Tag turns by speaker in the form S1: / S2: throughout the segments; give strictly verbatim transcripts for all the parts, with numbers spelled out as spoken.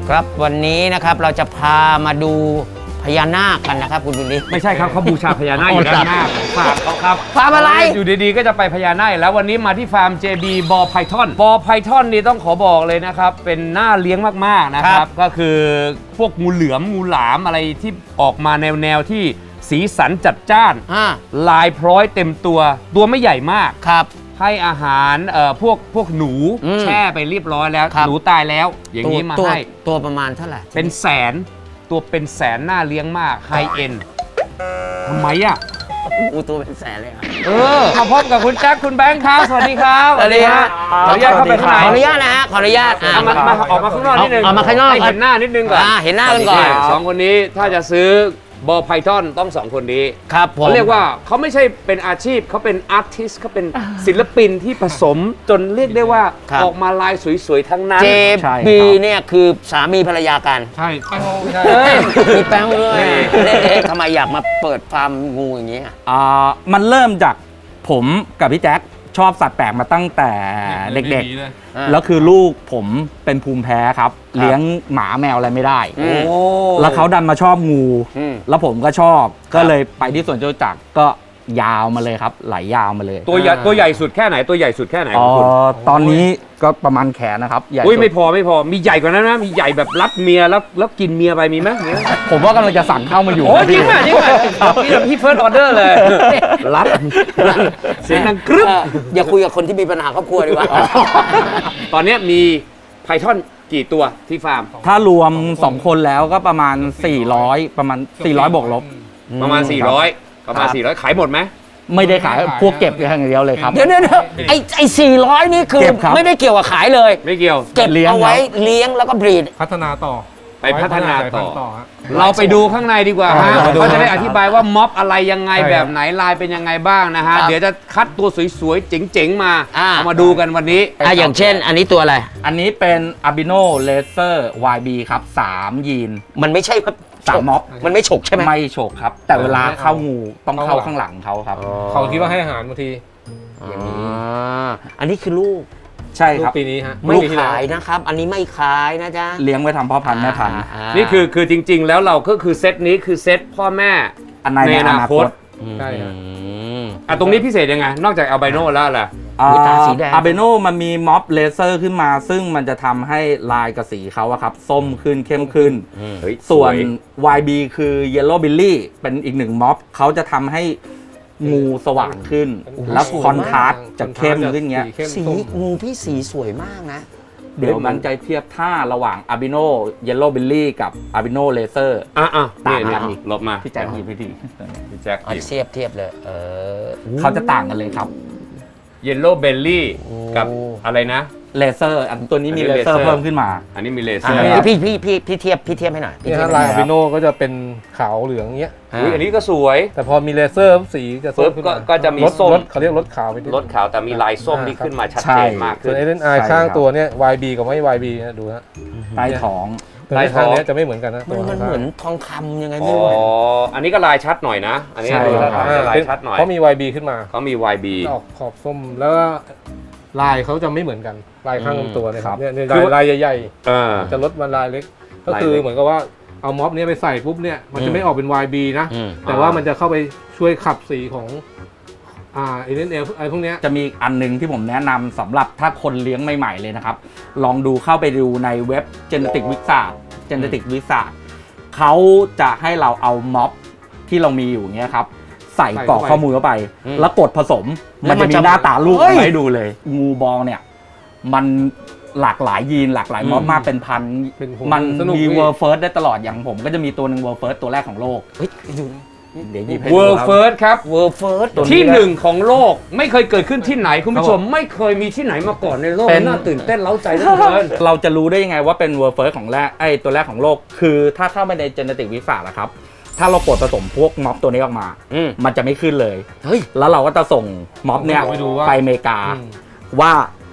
S1: ครับวันนี้นะครับเราจะพามาดูพญานาคกันนะครับคุณวิลลี่
S2: ไม่ใช่ครับเขาบูชาพญานาคอยู่ด้านหน้าฟาร์มเขาครับ
S1: ฟาร์มอะไร
S2: อยู่ดีๆก็จะไปพญานาคแล้ววันนี้มาที่ฟาร์ม เจ บี บอไพทอนบอไพทอนนี่ต้องขอบอกเลยนะครับเป็นน่าเลี้ยงมากๆนะครับก็คือพวกงูเหลือมงูหลามอะไรที่ออกมาแนวๆที่สีสันจัดจ้านลายพร้อยเต็มตัวตัวไม่ใหญ่มาก
S1: ครับ
S2: ให้อาหารเอ่อพวกพวกหนูแช่ไปเรียบร้อยแล้วหนูตายแล้วอย่างนี้มาให้
S1: ตัวประมาณเท่าไหร่
S2: เป็นแสนตัวเป็นแสนน่าเลี้ยงมากไฮเอ็นทำไมอ่ะ
S1: อูตัวเป็นแสนเลย
S2: เออมาพบกับคุณแจ็คคุณแบงค์ครับสวัสดีครับ
S1: สวัสดีครับ
S2: ขออนุญาตเข้าไปข้างใน
S1: ขออนุญาตนะฮะขออนุญาต
S2: เอามาออกมาข้างนอกนิดนึง
S1: เอามาข้างนอก
S2: ให้เห็นหน้านิดนึงก่อน
S1: เห็นหน้ากันก่อน
S2: สองคนนี้ถ้าจะซื้อบอไพทอนต้องสองคนนี้
S1: ครับผม
S2: เขาเรียกว่าเขาไม่ใช่เป็นอาชีพเขาเป็นอาร์ติสเขาเป็นศิลปินที่ผสมจนเรียกได้ว่าออกมาลายสวยๆทั้งนั้น
S1: เจบีเนี่ยคือสามีภรรยากัน
S2: ใช่
S1: ใช่มีแป้งด้วยทำไมอยากมาเปิดฟาร์มงูอย่างนี้
S3: อ่ามันเริ่มจากผมกับพี่แจ็คชอบสัตว์แปลกมาตั้งแต่เด็กๆแล้วคือลูกผมเป็นภูมิแพ้ครับเลี้ยงหมาแมวอะไรไม่ได้แล้วเขาดันมาชอบงูแล้วผมก็ชอบก็เลยไปที่สวนจตุจักรก็ยาวมาเลยครับไหลยาวมาเลย
S2: ตัวใหญ่ตัวใหญ่สุดแค่ไหนตัวใหญ่สุดแค่ไหนของคุณ
S3: ตอนนี้ก็ประมาณแขนนะครับใหญ่
S2: อุ้ยไม่พอไม่พอมีใหญ่กว่านั้นนะมีใหญ่แบบรับเมียแล้วแล้วกินเมียไปมีไหม
S3: ผมว่ากำลังจะสั่งเข้ามาอยู่
S2: โอ้จริงป่ะจริงป่ะพี่พี่เฟิร์สออเดอร์เลยรับเสียงดังกรึ๊บ
S1: อย่าคุยกับคนที่มีปัญหาครอบครัวดีกว่า
S2: ตอนนี้มีไพทอนกี่ตัวที่ฟาร์ม
S3: ถ้ารวมสองคนแล้วก็ประมาณสี่ร้อยประมาณสี่ร้อยบวกลบ
S2: ประมาณสี่ร้อยประมาณสี่ร้อยขายหมดไหม
S3: ไม่ได้ขายพวกเก็บอย่างเดียวเลยครับ
S1: เดี๋ยวเดี๋ยวไอ้ไอ้สี่ร้อยนี่คือไม่ได้เกี่ยวกับขายเลย
S2: ไม่เกี่ยว
S1: เก็บเอาไว้เลี้ยงแล้วก็บรีด
S4: พัฒนาต่อ
S2: ไปพัฒนาต่อเราไปดูข้างในดีกว่าฮะเขาจะได้อธิบายว่าม็อบอะไรยังไงแบบไหนลายเป็นยังไงบ้างนะฮะเดี๋ยวจะคัดตัวสวยๆเจ๋งๆมาเอามาดูกันวันนี้
S1: อ่ะอย่างเช่นอันนี้ตัวอะไร
S3: อันนี้เป็นอาบิโนเลเซอร์ วาย บี ครับสามยีน
S1: มันไม่ใช่
S3: สามม็อบ
S1: มันไม่ฉกใช่ไหม
S3: ไม่ฉกครับแต่เวลาเข้างูต้องเข้าข้างหลังเขาครับ
S4: เขาคิดว่าให้อาหารบางที
S1: อย่างนี้อันนี้คือลูก
S3: ใช่ครับ
S4: ปีนี้ฮะ
S1: ไม่ขายนะครับอันนี้ไม่ขายนะจ๊ะ
S3: เลี้ยงไว้ทำพ่อพันธุ์แม่พันธุ์
S2: นี่คือคือจริงๆแล้วเราก็คือเซตนี้คือเซตพ่อแม่ในอนาคต
S4: ใช่
S2: อ่ะตรงนี้พิเศษยังไงนอกจากอัลไบโนแล้วล่ะ
S3: ตาสีแดงอาเบโนมันมีม็อบเลเซอร์ขึ้นมาซึ่งมันจะทำให้ลายกับสีเขาอะครับส้มขึ้นเข้มขึ้นส่วน วาย บี คือ Yellow Billy เป็นอีกหนึ่งม็อบเขาจะทำให้งูสว่างขึ้นแล้วคอนทราสต์จะเข้มขึ้นเงี้ย
S1: สีงูพี่สีสวยมากนะ
S3: เดี๋ยวมันจะเทียบท่าระหว่างอาบิโน Yellow Billy กับอาบิโนเลเซอร์
S2: อ่ะอ่ะ
S3: ต่างกันอีก
S2: ลบมา
S3: พี่แจ็คหยิบไปที
S2: พี่แจ็ค
S1: เทียบเทียบเลยเออ
S3: เขาจะต่างกันเลยครับ
S2: Yellow Belly กับอะไรนะ
S3: เลเซอร์อันตัวนี้มีเลเซอร์เพิ่มขึ้นมา
S2: อันนี้มีเลเซอร์
S1: พี่พี่พี่พี่เทียบพี่เทียบให้หน่อย
S4: นี่ลายอาบิโนก็จะเป็นขาวเหลืองเงี้ย
S2: อันนี้ก็สวย
S4: แต่พอมีเลเซอร์สีจะส้ม
S2: ก็จะมีส้ม
S4: เขาเรียกรถขาวไป
S2: รถขาวแต่มีลายส้มที่ขึ้นมาชัดเจนมากขึ้น
S4: ส่วนไอ้เล่นไอข้างตัวเนี้ย วาย บี กับไม่ วาย บี นะดูนะ
S3: ใต้ท้อง
S4: ลายข้างนี้จะไม่เหมือนกันนะ
S1: มันเหมือนทองคำยังไงไม่รู้
S2: อ๋ออันนี้ก็ลายชัดหน่อยนะอันนี้ลายชัดหน่อย
S4: เขามี วาย บี ขึ้นมา
S2: เขามี วาย บี
S4: ออกขอบส้มแล้วลายเขาจะไม่เหมือนกันลายข้างลำตัวเนี่ยครับเนี่ยลายใหญ่ๆจะลดมาลายเล็กก็คือเหมือนกับว่าเอาม็อบนี้ไปใส่ปุ๊บเนี่ยมันจะไม่ออกเป็น วาย บี นะแต่ว่ามันจะเข้าไปช่วยขับสีของอ่าเอเดนเอลไอพวกนี้
S3: จะมีอันนึงที่ผมแนะนำสำหรับถ้าคนเลี้ยงใหม่ๆเลยนะครับลองดูเข้าไปดูในเว็บ Genetic Wizard Genetic Wizard เขาจะให้เราเอาม็อบที่เรามีอยู่เงี้ยครับใส่กรอกข้อมูลเข้าไปแล้วกดผสมมันจะมีหน้าตาลูกให้ดูเลยงูบอลเนี่ยมันหลากหลายยีนหลากหลายม็อบมากเป็นพันมันมีเวิร์เฟิร์สได้ตลอดอย่างผมก็จะมีตัวหนึ่งเวิร์เฟิร์สตัวแรกของโลก
S2: เดี๋ยวหยิบให้ดูครับ World First ครับ
S1: World First
S2: ที่หนึ่งของโลกไม่เคยเกิดขึ้นที่ไหนคุณผู้ชมไม่เคยมีที่ไหนมาก่อนในโลกน่าตื่นเต้นเล้าใจเหลือเกิน
S3: เราจะรู้ได้ยังไงว่าเป็น World First ของแรกไอ้ตัวแรกของโลกคือถ้าเข้าไปใน Genetic Wizard นะครับถ้าเรากดผสมพวกม็อบตัวนี้ออกมามันจะไม่ขึ้นเลยแล้วเราก็จะส่งม็อบเนี่ยไปอเมริกาว่า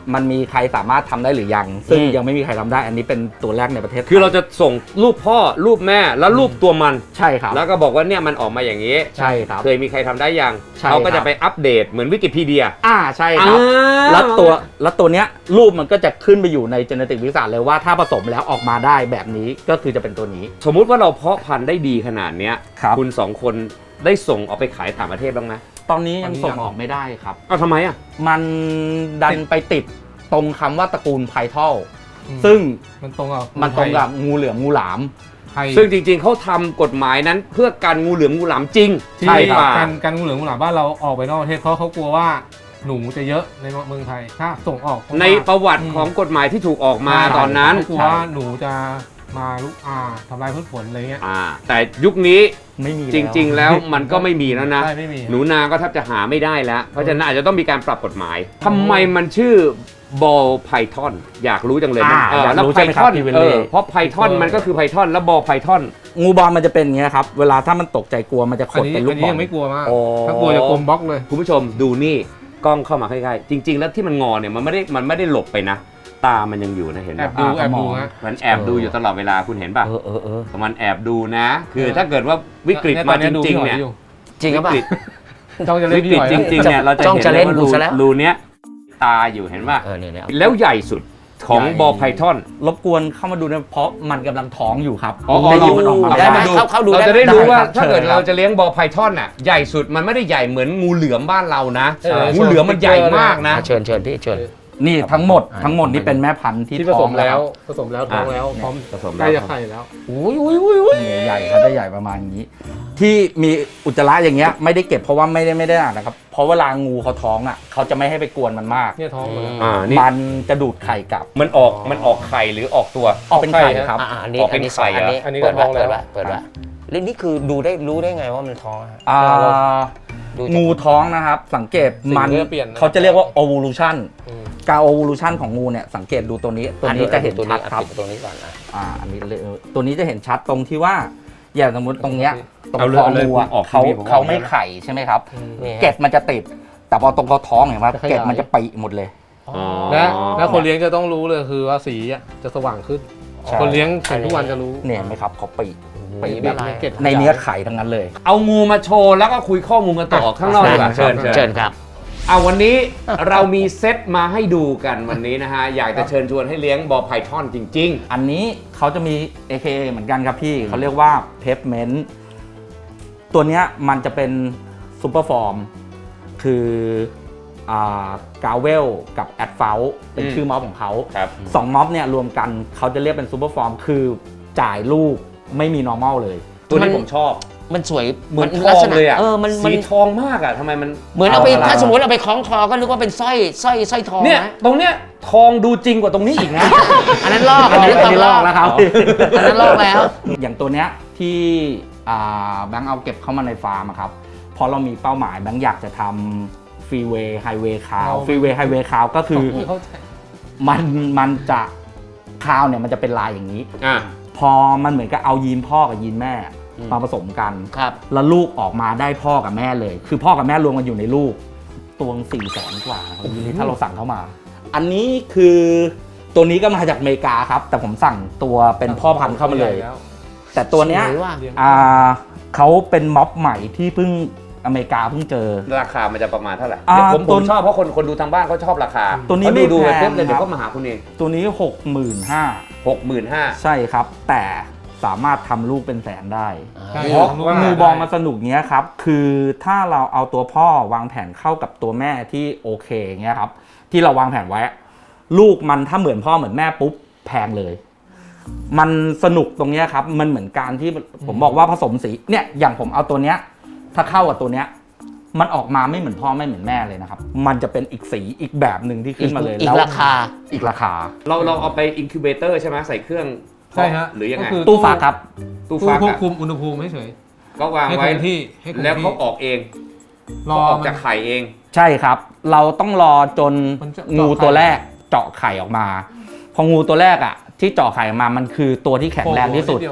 S3: มันมีใครสามารถทำได้หรือยัง ซึ่ง
S1: อืม
S3: ยังไม่มีใครทำได้อันนี้เป็นตัวแรกในประเทศ
S2: คือเราจะส่งรูปพ่อรูปแม่แล้วรูปตัวมัน
S3: ใช่ครับ
S2: แล้วก็บอกว่าเนี่ยมันออกมาอย่างนี้
S3: ใช่ครับ
S2: เคยมีใครทำได้ยัง
S3: ใช่
S2: เขาก็
S3: ครั
S2: จะ
S3: บ
S2: ไปอัปเดตเหมือนวิกิพีเดีย
S3: อ่าใช่ครับ
S2: อ่า
S3: แล้วตัวแล้วตัวเนี้ยรูปมันก็จะขึ้นไปอยู่ใน genetic วิทยาศาสตร์เลยว่าถ้าผสมแล้วออกมาได้แบบนี้ก็คือจะเป็นตัวนี้
S2: สมมุติว่าเราเพาะพันธุ์ได้ดีขนาดเนี้ย
S3: ครับ
S2: คุณสองคนได้ส่งออกไปขายต่างประเทศบ้างไหม
S3: ตอนนี้ยัง
S4: ตอนนี้
S3: ส่ง
S4: ยัง
S3: ออกไม่ได้ครับ
S2: เอาทำไมอ่ะ
S3: มันดันไปติดตรงคำว่าตระกูลไพทอล
S4: อืม
S3: ซึ่ง
S4: มันตรงกับ
S3: มันตรงกับงูเหลือมงูหลาม
S4: ไทย
S2: ซึ่งจริงๆเขาทำกฎหมายนั้นเพื่อการงูเหลือมงูหลามจริง
S4: ที่
S3: ใช่ครับ
S4: การการงูเหลือมงูหลามบ้านเราออกไปนอกประเทศเพราะเขากลัวว่าหนูจะเยอะในเมืองไทยถ้าส่งออก
S2: ในประวัติของกฎหมายที่ถูกออกมาตอนนั้น
S4: เขากลัวว่าหนูจะมาลุกอาทำลายพืชผลอะไรเงี้ย
S2: อ่าแต่ยุคนี้
S3: ไม่มี
S2: จริง ๆ แล้วมันก็ไม่มีแล้วนะ
S4: ใช่ไม่มี
S2: หนูนาก็แทบจะหาไม่ได้แล้ว เพราะฉะนั้นอาจจะต้องมีการปรับกฎหมายทำไมมันชื่อบอลไพทอนอยากรู้จังเลย
S3: อ่า
S2: เออ
S3: อยาก
S2: แล้ว
S3: รู้
S2: ไพ
S3: ใช่ไหมค
S2: ท
S3: รั
S2: อบ น
S3: พี่เวล
S2: เอ
S3: เล่
S2: อเพราะไพทอนมันก็คือไพทอนแล้วบอลไพทอน
S3: งูบอลมันจะเป็นอย่างเงี้ยครับเวลาถ้ามันตกใจกลัวมันจะข
S4: อัน
S3: ด
S4: นี้
S3: เป็นลู
S4: อั
S3: ก
S4: น
S3: บ
S4: นี้
S3: อล
S4: ยังไม่กลัวมาก
S2: อ๋อ
S4: ถ้ากลัวจะกลมบล็อกเลย
S2: คุณผู้ชมดูนี่กล้องเข้ามาใกล้ๆจริง ๆ แล้วที่มันงอเนี่ยมันไม่ได้มันไม่ได้หลบไปนะ ตามันยังอยู่นะเห็น
S4: แอ
S2: ป่ะ
S4: บดูแอบดูฮะ
S2: มันแอบดูอยู่ตลอดเวลาคุณเห็นป่ะ
S1: เออเออเออ
S2: มันแอบดูนะ คือถ้าเกิดว่าวิกฤตมาจริงๆเนี่ย
S1: จริงหรือเปล่า
S2: วิกฤต
S4: จ้องจะเล่
S2: วิ
S4: น
S2: ก
S4: พี่
S2: ฤ
S4: ห
S2: ต
S4: อย
S2: จริงๆเนี่ยเราจะ
S1: จ้อง
S2: เห็น
S1: จะ
S2: เล
S1: เล่
S2: ย
S1: น
S2: ว่า
S1: ดู
S2: รู
S1: ซะแล้ว
S2: รูเนี้ยตาอยู่เห็นป่ะ
S1: เออเนี่ยเนี่ย
S2: แล้วใหญ่สุดของบอลไพทอน
S3: รบกวนเข้ามาดูนะเพราะมันกำลังท้องอยู่ครับ
S2: อ๋อ
S3: ได้ยินมันออกมา
S1: ได้ไหม
S3: ได้
S1: เข้าเข้าดู
S2: เรา
S1: ได้
S2: จะ
S1: ไหม
S2: ได้รู้ว่า
S3: ได้ครับ
S2: ถ้าเกิด
S3: เชิญครับ
S2: เราจะเลี้ยงบอลไพทอนน่ะใหญ่สุดมันไม่ได้ใหญ่เหมือนงูเหลือมบ้านเรานะ
S4: เออ
S2: งูเหลือมมันใหญ่มากนะ
S1: อ่ะเชิญเชิญพี่เชิญ
S3: นี่ทั้งหมด
S1: อ่า
S3: ทั้งหมดนี่เป็นแม่พันธุ์ที่
S4: ที่ผ
S3: ท้
S4: ส
S3: อง
S4: ม
S3: แล้
S4: แล้ว วผสมแล้วท้องแล้วพร้อม
S2: ผสม
S4: ใก
S2: แล้
S4: ล้ว
S2: ค
S4: จะ
S2: รับ
S4: ไข่แล้ว
S1: อุ้ยอุ้ยอุ้ยอุ้ย
S3: นี่ใหญ่เขาจะใหญ่ประมาณนี้ ที่มีอุจจาระอย่างเงี้ยไม่ได้เก็บเพราะว่าไม่ได้ไม่ได้อ่านนะครับเพราะเวลางูเขาท้องอ่ะเขาจะไม่ให้ไปกวนมันมาก
S4: เนี่ยท้องหมดแล้ว
S2: อ่านี่
S3: มันจะดูดไข่กลับ
S2: มันออกมันออกไข่หรือออกตัว
S3: ออกเป็นไข่ครับ
S1: อ่ะอันนี้
S2: ออกเป็
S1: อัน
S2: น
S1: นี้
S2: ไข่
S1: อัน
S2: เหรอ
S1: นี้
S4: อันนี้
S1: เปิด
S4: ก็ท้
S1: ไว้
S4: องแล้ว
S1: เปิดไว้เปิดไว้แล้วนี่คือดูได้รู้ได้ไงว่ามันท้องอะฮะ
S3: อ่า
S1: ดูจาก
S3: งูท้องนะครับ สังเกต
S4: สี
S3: มัน
S4: มันจะเปลี่ยนนะ
S3: เขาจะเรียกว่า evolution
S4: อืม
S3: การ evolution ของงูเนี่ยสังเกตดูตัวนี้ตัวนี้จะเห็น
S1: ตัว
S3: ชั
S1: นี้
S3: ดครับ
S1: ปิดตัวนี้ก่อนนะ
S3: อ่าอันนี้เลยตัวนี้จะเห็นชัดตรงที่ว่าอย่างสมมติตรงเนี้ยตรง
S2: เอาเลย
S3: คอ
S2: เอาเลย
S3: งูอะ
S2: ออก
S3: เขา
S2: ทีวีผม
S3: เขา
S2: ออก
S3: ไม่
S2: แล้วนะ
S3: ไข่ใช่ไหมครับ
S1: นี่ฮะ
S3: เกล็ดมันจะติด แต่พอตรงเขาท้องเห็นไหม
S4: จะขยาย
S3: เกล็ดมันจะปีหมดเลย
S2: อ๋อ
S4: และและคนเลี้ยงจะต้องรู้เลยคือว่าสีอ่ะจะสว่างขึ้น
S3: ใช่
S4: คนเลี้ยงเห็นทุกวันจะรู้
S3: เนี่ยเห็นไหมครับเขาปี
S4: ปี
S1: แบ
S4: แบบ บ
S1: นี้
S4: เกล็ด
S3: ในเนื้อไข่ทั้งนั้นเลย
S2: เอางูมาโชว์แล้วก็คุยข้อมูลกันต่อข้างนอกดีกว่าเชิญ
S1: เชิ
S2: เชิ
S1: ญ
S2: ญ
S1: ครับ
S2: เอาวันนี้เรามีเซตมาให้ดูกันวันนี้นะฮะ อยากจะเชิญชวนให้เลี้ยงบอลไพทอนจริง
S3: อันนี้เขาจะมี เอ เค เอ เหมือนกันครับพี่เขาเรียกว่าเพปเมนต์ตัวเนี้ยมันจะเป็นซูเปอร์ฟอร์มคืออ่ากาเวลกับแอดเฟลเป็น
S2: อืม
S3: ชื่อม็อบของเขา
S2: ๆ ครับ
S3: สองม็อบเนี่ยรวมกันเขาจะเรียกเป็นซูเปอร์ฟอร์มคือจ่ายลูกไม่มี normal เลย
S2: ตัวนี้
S1: มัน
S2: ผมชอบ
S1: มันสวย
S2: เหมือนท
S1: ลั
S2: อก ง
S1: ษณะ
S2: เลยอ่ะ
S1: เออมันมัน
S2: สีทองมากอ่ะทำไมมัน
S1: เหมือนเอาไป
S3: เอาละ
S1: ถ้าสมมติเอาไปคล้องคอก็นึกว่าเป็นสร้อยสร้อยสร้อยทอง
S2: เนี่ย
S1: นะ
S2: ตรงเนี้ยทองดูจริงกว่าตรงนี้อีกนะ
S1: อันนั้นลอก
S3: อันนี้
S1: ท
S3: อันนี้ลอกแล้วครับ
S1: อันนั้นลอกแล้ว
S3: อย่างตัวเนี้ยที่อ่าแบงค์เอาเก็บเข้ามาในฟาร์มอะครับพอเรามีเป้าหมายแบงค์อยากจะทำฟรีเวย์ไฮเวย์คาว
S4: เอา
S3: ฟรีเวย์ไฮเวย์คาวก็คือ
S4: เข้าใจ
S3: มันมันจะคาวเนี่ยมันจะเป็นลายอย่างนี้
S2: อ่ะ
S3: พอมันเหมือนกับเอายีนพ่อกับยีนแม่
S2: อืม
S3: มาผสมกัน
S1: ครับ
S3: แล้วลูกออกมาได้พ่อกับแม่เลย คือพ่อกับแม่รวมกันอยู่ในลูกตัวสี่แสนกว่านะครับยีนนี้ถ้าเราสั่งเข้ามา อันนี้คือตัวนี้ก็มาจากอเมริกาครับ แต่ผมสั่งตัวเป็นพ่อพันธุ์เข้ามาเลย แต่ตัวเนี้ย
S1: สวยว่ะ
S3: อ่าเขาเป็นม็อบใหม่ที่เพิ่งอเมริกาเพิ่งเจอ
S2: ราคามันจะประมาณเท่าไหร่
S3: อ่า
S2: เดี๋ยวผม
S3: ตั
S2: ผ
S3: ว
S2: มชอบเพราะคนคนดูทางบ้านเขาชอบราคา
S3: ตัวนี้
S2: เขาดูดู
S3: ไม่
S2: ไป
S3: แพง
S2: ปุ๊บเลยเดี๋ยว
S3: ครับ
S2: ก็มาหาคุณเอง
S3: ตัวนี้หกหมื่นห้า
S2: หกหมื่นห้า
S3: ใช่ครับ แต่สามารถทำลูกเป็นแสนได้
S4: ใช่
S3: เพราะ
S4: ทำลูก
S3: งู
S4: ได้
S3: บอลมาสนุกเงี้ยครับ คือถ้าเราเอาตัวพ่อวางแผนเข้ากับตัวแม่ที่โอเคเงี้ยครับ ที่เราวางแผนไว้ ลูกมันถ้าเหมือนพ่อเหมือนแม่ปุ๊บแพงเลย มันสนุกตรงเนี้ยครับ มันเหมือนการที่ผมบอกว่าผสมสี เนี่ย อย่างผมเอาตัวเนี้ย ถ้าเข้ากับตัวเนี้ย มันออกมาไม่เหมือนพ่อไม่เหมือนแม่เลยนะครับ มันจะเป็นอีกสีอีกแบบหนึ่งที่ขึ้นมาเลย
S1: อีก
S3: แล้ว
S1: ราคา
S3: อีกราคา
S2: เราเราเอาไปอินคิวเบเตอร์ใช่ไหมใส่เครื่อง
S4: ใช่ฮะ
S2: หรือยังไง
S4: ก็คือ
S3: ตู้ฟักครับ
S2: ตู้
S4: ตู้
S2: ฟัก
S4: ควบ
S2: อะ
S4: คุมอุณหภูมิให้เฉย
S2: ก็วาง
S4: ให้ค
S2: ไว้
S4: งที่ให้คง
S2: แล้ว
S4: ที่
S2: เขาออกเอง
S4: รอ
S2: เขาออก
S4: มัน
S2: จากไข่เอง
S3: ใช่ครับ เราต้องรอจน
S4: มันจะ
S3: งู
S4: เจาะไข่
S3: ตัวแรกเจาะไข่ออกมา พองูตัวแรกอ่ะ ที่เจาะไข่ออกมามันคือตัวที่แข็งแรงที่สุด
S4: โผล่นิเยว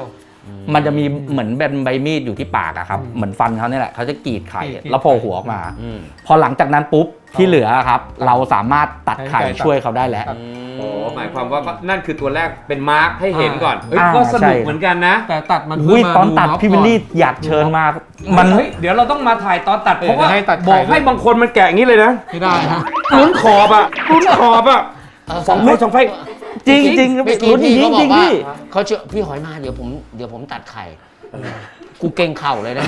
S3: มันจะมีเหมือนเป็นใบมีดอยู่ที่ปากอะครับเหมือนฟันเขาเนี่ยแหละเขาจะกรีดไข่แล้วโผล่หัวออกมาพอหลังจากนั้นปุ๊บที่เหลือครับเราสามารถตัดไข่ช่วยเขาได้แล้ว
S2: โอ้หมายความว่านั่นคือตัวแรกเป็นมาร์คให้เห็นก่อนเฮ้ย
S3: อ่า
S2: ก็สนุก
S3: ใช่
S2: เหมือนกันนะ
S4: แต่ตัดมัน
S3: อุ้ย
S4: เพื่มา
S3: ตอนตัด
S4: น็ก
S3: พี่วิลลี่
S4: ก่
S3: อยากเชิญมามัน
S2: เฮ้ยเดี๋ยวเราต้องมาถ่ายตอนตัด
S4: เออ
S2: เพราะว่า
S4: จะให้ตัดไข่
S2: บอกให้บางคนมันแกะอย่างนี้เลยนะ
S4: ไม่ได้ฮะ
S2: ลุ้นขอบอะลุ้นขอบอะสองไฟสองไฟ
S3: จริงจริง
S1: เมื่อกี้
S3: ลุ้นจ
S1: พี่
S3: ริ
S1: เขา
S3: ง
S1: บ
S3: จ
S1: อ
S3: ริ
S1: ก
S3: ง
S1: ว่า
S3: พี่
S1: เขาเชื่อพี่หอยมาเดี๋ยวผมเดี๋ยวผมตัดไข่กูเก่งเข่าเลยนะ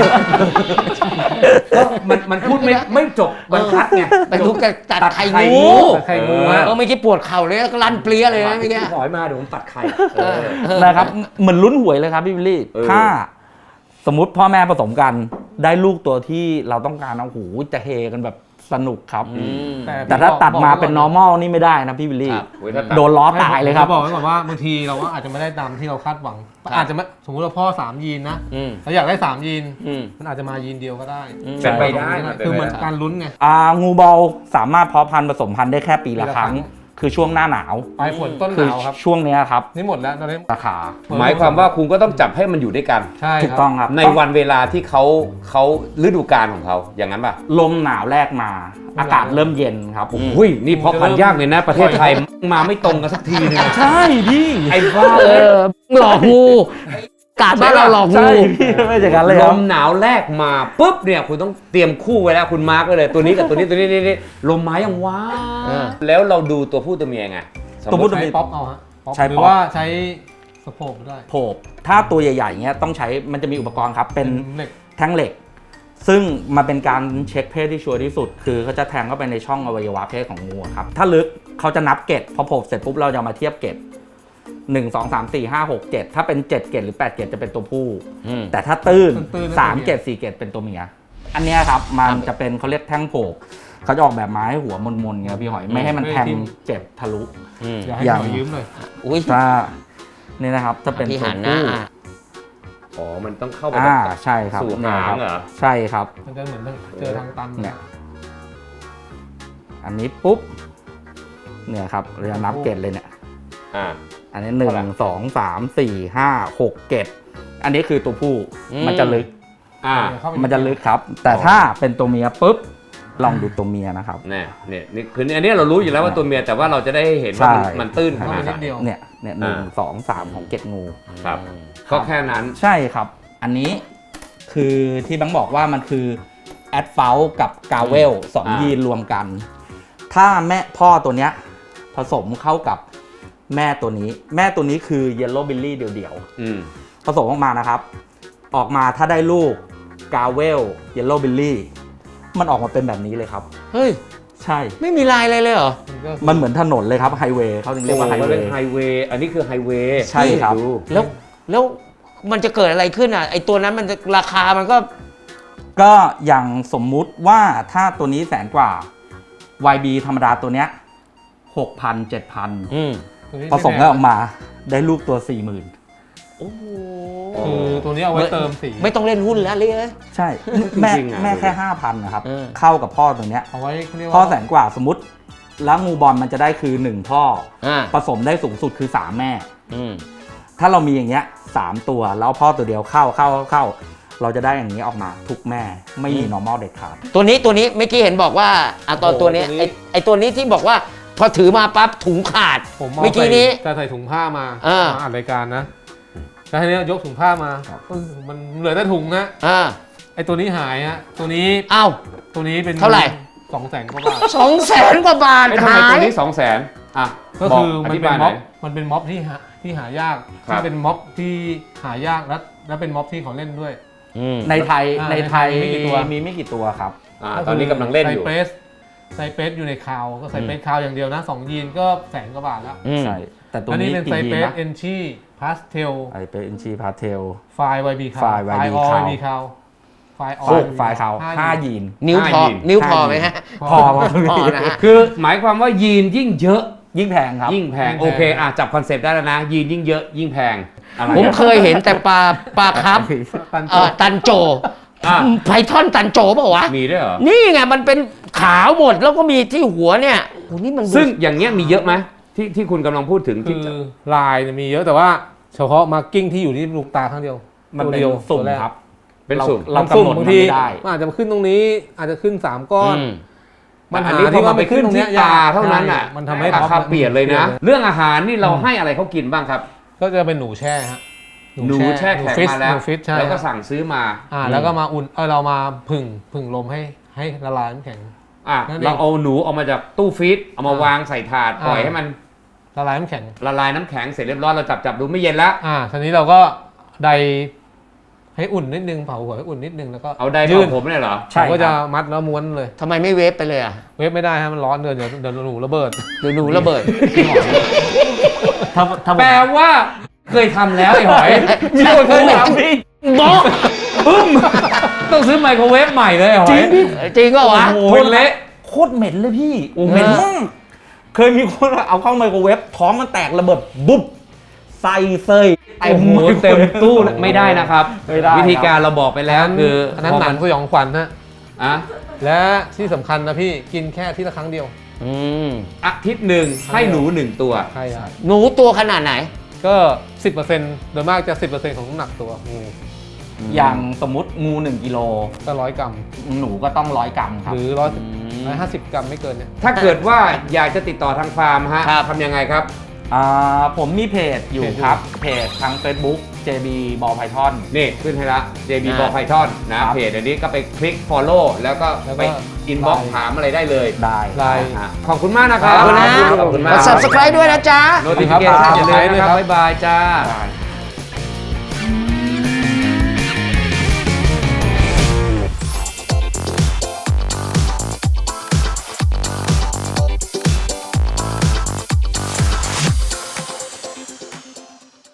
S2: ก็มันมันพูดไม่ไม่จบบรรทัดไง
S1: ไปทุกแต่ตัดไข่
S2: ไข่
S1: งู
S2: งู
S4: ตัดไข่งู
S2: เอ
S4: ฮะ
S1: เออเมื่อกี้ปวดเข่าเลยแล้วก็ลั่นเปรี้ยเลยนะเมื่อกี้
S2: พี่หอยมาเดี๋ยวผมตัดไข่
S1: เออเออ
S3: นะครับเหมือนลุ้นหวยเลยครับพี่วิลลี่
S2: เออ
S3: ถ้าสมมติพ่อแม่ผสมกันได้ลูกตัวที่เราต้องการเอาหูจะเฮกันแบบสนุกครับ แต่ถ้าตัดมาเป็น normal นี่ไม่ได้นะพี่วิลลี่
S1: ครับ
S2: เว้ยถ้าตัด
S3: โดนล้อตายเลยครับ
S4: ผมจะบอกไว้ก่อนว่าบางทีเราก็อาจจะไม่ได้ตามที่เราคาดหวัง
S1: ครับ
S4: อาจจะไม่สมมติเราพ่อสามยีนนะ
S1: อืม
S4: เราอยากได้สามยีน
S1: อืม
S4: มันอาจจะมายีนเดียวก็ได้
S2: เป็นไปได้
S4: คือเหมือนการลุ้นไง
S3: อ่างูบอลสามารถเพาะพันธุ์ผสมพันธุ์ได้แค่ปีละ
S4: ปีละ
S3: ครั้ง
S4: ครั้ง
S3: คือช่วงหน้าหนาว
S4: ปลายฝนต้นห
S3: คือน
S4: าวครับ
S3: ช่วงเนี้ยครับ
S4: นี่หมดแล้วตอนนี้
S3: ราคา
S2: หมายความว่าคุณก็ต้องจับให้มันอยู่ด้วยกัน
S4: ใช่
S3: ถูก
S4: ครับ
S3: ต้องครับ
S2: ในวันเวลาที่เขาเขาฤดูกาลของเขาอย่างนั้นป่ะ
S3: ลมหนาวแรกมา อากาศเริ่มเย็นครับ
S2: อุ้ยนี่เพราะพันธุ์ยากเลยนะ ประเทศไทยมาไม่ตรงกันสักทีนึง
S3: ใช่พี่
S2: ไอ้บ้า
S1: เอ
S2: เอ้ย
S1: อหลอกงูกาดบ้านเราหลอกงู
S3: ใช่พี่ไม่ใช่กันเลย
S2: ล
S3: ครับ
S2: มหนาวแรกมาปุ๊บเนี่ยคุณต้องเตรียมคู่ไว้แล้วคุณมาร์กไว้เลยตัวนี้กับตัวนี้ตัวนี้นี่นี่ลมไม้ยังว้า
S1: เออ
S2: แล้วเราดูตัวผู้ตัวเมียไงสม
S3: ตัว
S2: มุ
S3: ผู้
S2: ติ
S3: ตัว
S4: ใช้
S3: เมีย
S4: ป๊อปเอาฮะป๊อป
S3: ใช้
S4: หรื
S3: ป๊
S4: อ
S3: อป
S4: ว่าใช้สะโพกได้
S3: โผบถ้าตัวใหญ่ๆเงี้ยต้องใช้มันจะมีอุปกรณ์ครับ เป็น
S4: เหล็ก
S3: แท่งเหล็ก ซึ่งมันเป็นการเช็คเพศที่ชัวร์ที่สุด คือเขาจะแทงเข้าไปในช่องอวัยวะเพศของงูอะครับ ถ้าลึกเขาจะนับเกตพอโผบเสร็จปุ๊บเราจะมาเทียบเกตหนึ่งสองสามสี่ห้าหกเจ็ดถ้าเป็นเจ็ดเกตหรือแปดเกตจะเป็นตัวผู้
S1: อืม
S3: แต่ถ้าตื้น
S4: ตื้นๆ
S3: สามเกตสี่เกตเป็นตัวเมีย อันเนี้ยครับมันจะเป็นเขาเรียกแท่งโผกเขาจะออกแบบมาให้หัวมนๆเงี้ยพี่หอยไม่ให้มันแทงเจ็บทะลุ
S1: อืม
S4: อยากให้
S3: อย่าง
S4: หน่อยยืมหน่อย
S1: อุ้ย
S3: ถ้านี่นะครับจะเป็น
S1: พี่
S3: ตัว
S1: หันหน้า
S3: ผู้
S1: อ่ะ
S2: อ๋อมันต้องเข้าไป
S3: อ่า
S2: แบบ
S3: ใช่ครับ
S2: สู่
S3: เนี่ย
S2: หาง
S3: ครับ
S2: เหรอ
S3: ใช่ครับ
S4: มันจะเหมือนเจอทางตัน
S3: เนี่ย อันนี้ปุ๊บเนี่ยครับเราจะนับเกตเลยเนี่ย
S2: อ่า
S3: อันนี้หนึ่
S2: เท่าไหร่
S3: งสองสามสี่ห้าหกเกตอันนี้คือตัวผู้
S1: อืม
S3: มันจะลึก
S2: อ่า
S4: เข้าไป
S3: มันจะลึกครับ แต่ถ้าเป็นตัวเมียปุ๊บลองดูตัวเมียนะครับ
S2: เนี่ยเนี่ยนี่คืออันนี้เรารู้อยู่แล้วว่าตัวเมียแต่ว่าเราจะได้เห็นว่ามัน
S3: ใช่
S2: มันตื้นข
S4: เข้า
S2: นา
S4: ไป
S2: ดไห
S4: นิด
S2: น
S4: เดียว
S3: เนี่ยเนี่ยหนึ่ง
S2: อ่า
S3: สองสามของเกตงู
S2: ครับก็แค่นั้น
S3: ใช่ครับ อันนี้คือที่บังบอกว่ามันคือแอดเฟลกับกาเวลสอง
S2: อ่ายี
S3: ยีนรวมกัน ถ้าแม่พ่อตัวเนี้ยผสมเข้ากับแม่ตัวนี้ แม่ตัวนี้คือเยลโล่บิลลี่เดี่ยว
S2: อืม
S3: ๆ ผสมออกมานะครับ ออกมาถ้าได้ลูกกาเวลเยลโล่บิลลี่มันออกมาเป็นแบบนี้เลยครับ
S1: เฮ้ย
S3: ใช่
S1: ไม่มีลายอะไรเลยเหรอ
S3: มันเหมือนถนนเลยครับไฮเวย์เขาถึงเรียกว่าไฮ
S2: มัน
S3: เว
S2: เป็น
S3: ย์
S2: ไฮเวย์อันนี้คือไฮเวย์
S3: ใช่ครับ
S2: ดู
S1: แล้วแล้วมันจะเกิดอะไรขึ้นอ่ะไอตัวนั้นมันจะราคามันก็
S3: ก็อย่างสมมุติว่าถ้าตัวนี้แสนกว่า วาย บี ธรรมดาตัวเนี้ยหกพันเจ็ดพัน
S1: อืม
S3: ผสมกันออกมาได้ลูกตัว สี่หมื่น
S1: โอ้โห
S4: คือตัวนี้เอาไว้เติมสี
S1: ไม่ต้องเล่นหุ้นแล้วเลย
S3: ใช่ แม่แม่แค่ ห้าพัน นะครับ
S1: เออ
S3: เข้ากับพ่อตัวเนี้ย
S4: เอาไว้เขาเรียกว่า
S3: พ่อแสนกว่าสมมติ แล้วงูบอลมันจะได้คือ หนึ่ง พ่อ
S1: อ่า
S3: ผสมได้สูงสุดคือ สาม แม่
S1: อืม
S3: ถ้าเรามีอย่างเงี้ยสามตัวแล้วพ่อตัวเดียวเข้าเข้าเข้า เราจะได้อย่างนี้ออกมาทุกแม่ไม่มี normal เด็ดขาด
S1: ตัวนี้ตัวนี้เมื่อกี้เห็นบอกว่าอ่ะตอนตัวนี้ไอไอตัวนี้ที่บอกว่า พอถือมาปั๊บถุงขาด
S4: ผมเอา
S1: เมื่อกี้นี้
S4: จะใส่ถุงผ้ามา
S1: อ่าม
S4: มาอ่านรายการนะแล้วทีนี้ยกถุงผ้ามาเออมันเหลือแต่ถุงนะ
S1: อ่า
S4: ไอตัวนี้หายฮะตัวนี้
S1: เอ้า
S4: ตัวนี้เป็น
S1: เท่าไหร่
S4: สองแสนกว่าบาท
S1: สองแสนกว่าบาท
S2: ไอ้ทำไม
S1: หา
S2: ตัวย นี้สองแสนอ่ะ
S4: ก็
S2: บ
S4: คือมัน
S2: ธิ
S4: เป็น
S2: บายห
S4: ม็
S2: น่
S4: อ
S2: อบ ย
S4: มันเป็นม็อบที่หาที่หายาก
S2: ครับ
S4: ที่เป็นม็อบที่หายากและและเป็นม็อบที่เขาเล่นด้วย
S1: อืม
S3: ในไทย
S4: อ่า
S3: ในไทย
S4: ในไทยมีกี่ตัว
S3: มีไม่กี่ตัวครับ
S2: อ่าตอนนี้กำลังเล่นอยู่
S4: ไซเปรสไซเปรสอยู่ในคาวก็ไซเปรสคาวอย่างเดียวนะสองยีนก็แสนกว่าบาทแล้ว
S1: อืม
S3: ใช่ แต่ตัว
S4: อันนี้
S3: นี้
S4: เป็น
S3: กี่
S4: ไซ
S3: ยี
S4: เปร
S3: น
S4: ส
S3: นะ
S4: เอนชีพาสเทล
S3: ไอเป็นอินชีพาเทล
S4: ไฟล์ วาย บี คาว
S3: ไฟล์ วาย บี
S4: ออ
S3: คาว
S4: บีคาวไฟล์ออ
S3: โอ้ไฟล์เขาห้ายีน
S1: นิ้วพอ
S2: ห้ายีน
S1: นิ้วพอไหมฮะ
S3: พอ
S1: พอนะฮะ
S2: คือหมายความว่ายีนยิ่งเยอะ
S3: ยิ่งแพงครับ
S2: ยิ่งแพงโอเคอ่ะจับคอนเซปต์ได้แล้วนะ ยีนยิ่งเยอะยิ่งแพงอะไร
S1: ผม
S2: อ่ะ
S1: เคยเห็นแต่ปลาปลาครับ
S4: ตันโจ
S1: เอ่อตันโจ
S2: อ่ะ
S1: ไพทอนตันโจเปล่าวะ
S2: มีด้วยเหรอ
S1: นี่ไงมันเป็นขาวหมดแล้วก็มีที่หัวเนี่ยโอ้นี่มันดู
S2: ซึ่งอย่างเงี้ยมีเยอะไหมที่ที่คุณกำลังพูดถึงที่
S4: คือลายเนี่ยมีเยอะแต่ว่าชเฉพาะมาร์กิ้งที่อยู่ที่ลูกตาข้างเดียว
S3: มัน
S4: ตัว
S3: เป็น
S4: เดียว
S3: สุ่ม
S4: ตัวแก
S3: ครับ
S2: เป็นสุ่ม
S3: เรา
S4: มัน
S3: กำ
S4: สุ่ม
S3: หนด
S4: บาง
S3: มัน
S4: ที
S3: ไม่ได้
S4: มันอาจจะขึ้นตรงนี้อาจจะขึ้นสามก้อน
S1: อืม
S4: ปัญหา
S2: อันนี้พอ
S4: ที่
S2: มา
S4: ว่า
S2: ไป
S4: ไปขึ้
S2: ขึ้
S4: น
S2: น
S4: ตรง
S2: ที่
S4: เนี้ยยาก
S2: ตาเท่านั้นอ่ะ
S4: มันทำให้
S2: ราคาเปลี่ยนเลยนะ เรื่องอาหารนี่เราให้อะไรเขากินบ้างครับ
S4: ก็จะเป็นหนูแช่ฮะ
S2: หนูแช่แข็ง
S4: ฟิช
S2: มาแล้ว
S4: หนูฟิชใช่
S2: แล้วก็
S4: ฮะ
S2: สั่งซื้อมา
S4: อ่าแล้วก็มาอุ่นเออเรามาผึ่งผึ่งลมให้ให้ละลายน้ำแข็ง
S2: อ่ะ
S4: นั่นเอง
S2: เราเอาหนูออกมาจากตู้ฟรีซเอามาวางใส่ถาด
S4: อ่า
S2: ปล่อยให้มัน
S4: ละลายน้ำแข็ง
S2: ละลายน้ำแข็งเสร็จเรียบร้อยเราจับจับดูไม่เย็นแล้ว
S4: อ่าทีนี้เราก็ไดให้อุ่นนิดนึงเผาหัวให้อุ่นนิดนึงแล้วก็
S2: เอาได
S4: ยื
S2: ยื่
S4: น
S2: นผมเนี่ยเหรอ
S3: ใช่
S4: ผมก็
S3: ค
S4: จะ
S3: รับ
S4: มัดแล้วม้วนเลย
S1: ทำไมไม่เวฟไปเลยอ่ะ
S4: เวฟไม่ได้ฮะมันร้อนเดี๋ยวเดี๋ยวเดี๋ยวหนูระเบิด
S1: เดี๋ยวหนูระเบิด
S3: ถ้าถ้าผม
S2: แปลว่าเคยทำแล้วไอ้หอย
S3: มีคนเคยทำพี่
S2: บอกปึ้มต้องซื้อไมโครเวฟใหม่เลยไอ้หอย
S1: จริงก็วะ
S2: โอ้ยเละ
S3: โคตรเหม็นเลยพี่
S2: โอ้โห
S3: เหม็นมากเคยมีคนเอาเข้าไมโครเวฟท้องมันแตกระเบิดบุ๊บใส่เซย
S2: โอ้โหเต็มตู้เลยไม่ได้นะครับ
S3: ไม่ได้
S2: วิธีการเราบอกไปแล้วคือ
S4: อันนั้นหนังสยองขวัญฮะ
S2: อ่ะ
S4: และที่สำคัญนะพี่กินแค่ที่ละครั้งเดียว
S1: อืม
S2: อาทิตย์หนึ่งให้หนูหนึ่งตัว
S4: ใช่ครับ
S1: หนูตัวขนาดไหน
S4: ก็สิบเปอร์เซ็นต์โดยมากจะสิบเปอร์เซ็นต์ของน้ำหนักตัวงู
S3: อย่างสมมติงูหนึ่งกิโล
S4: ก็ร้อยกรัม
S3: หนูก็ต้องร้อยกรัมครับ
S4: หรือร้อยสิบ
S1: อืม
S4: ร้อยห้าสิบกรัมไม่เกินเนี่ย
S2: ถ้าเกิดว่าอยากจะติดต่อทางฟาร์มฮะ
S1: ครับ
S2: ทำยังไงครับ
S3: อ่าผมมีเพจอยู่ครับ เพจทาง Facebook เจ บี Ball Python
S2: นี่ขึ้นให้ละ เจ บี
S1: อ่า
S2: Ball Python นะครับ เพจอันนี้ก็ไปคลิก follow แล้วก็
S4: แล้วก็
S2: ไป inbox
S4: ไลน์
S2: ถามอะไรได้เลย
S3: ได้
S4: ไลน์
S2: อ่ะขอบคุณมากนะครับ
S1: ขอบคุณนะ
S2: ขอบคุณ
S1: ก
S2: มาก
S1: ด subscribe ด้วยนะจ๊ะ
S2: notification อย่าลืมนะครับ บ๊ายบายจ้า
S3: ได้